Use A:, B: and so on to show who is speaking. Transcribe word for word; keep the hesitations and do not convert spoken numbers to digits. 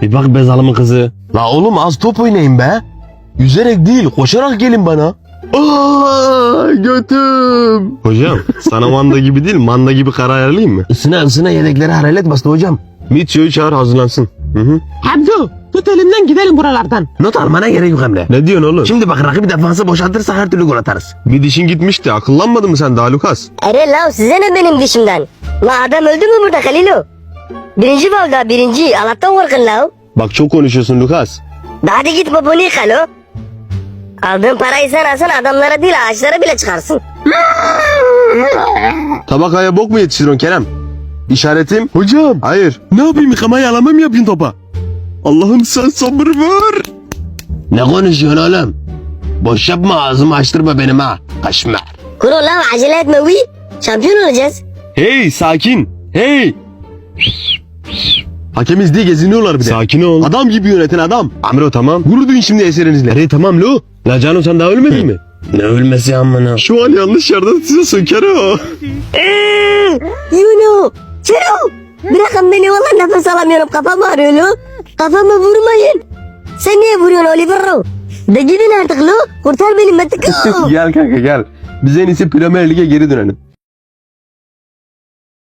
A: Bir bak be zalımın kızı. La oğlum az top oynayın be. Yüzerek değil koşarak gelin bana. Aa, götüm. Hocam sana manda gibi değil manda gibi karar ayarlayayım mı? Isına ısına yedekleri hararet bastı hocam. Mitio'yu çağır hazırlansın. Hı hı.
B: Hamdu tut elimden gidelim buralardan.
A: Not almana gerek yok Emre. Ne diyorsun oğlum? Şimdi bak rakibi defansı boşaltırsa her türlü gol atarız. Bir dişin gitmişti akıllanmadın mı sen daha Lukas?
C: Ere la size ne benim dişimden? La adam öldü mü burada Halilo? Birinci valda birinci. Allah'tan korkun la.
A: Bak çok konuşuyorsun Lukas.
C: Daha hadi git babunu yıka lo. Aldığın parayı sen alsan adamlara değil ağaçlara bile çıkarsın.
A: Tabakaya bok mu yetiştiriyorsun Kerem? İşaretim. Hocam. Hayır. Ne yapayım yıkama yalama mı yapayım topa? Allah'ım sen sabır ver. Ne konuşuyorsun oğlum? Boş yapma ağzımı açtırma benim ha. Kaşmer.
C: Kuro la acele etme uy. Şampiyon olacağız.
A: Hey sakin. Hey. Hakemiz diye geziniyorlar bir de. Sakin ol. Adam gibi yöneten adam. Amro tamam. Gurur duyun şimdi eserinizle. Hey tamam lo. La Cano sen daha ölmedin mi? Ne ölmesi amına? Şu an yanlış yerden size söker o.
C: Yuno. Çero. Bırakın beni valla nefes alamıyorum. Kafam ağrıyor lo. Kafamı vurmayın. Sen niye vuruyorsun Olivero? De gidin artık lo. Kurtar beni Metik.
A: Gel kanka gel. Biz en iyisi Premier Lig'e geri dönelim.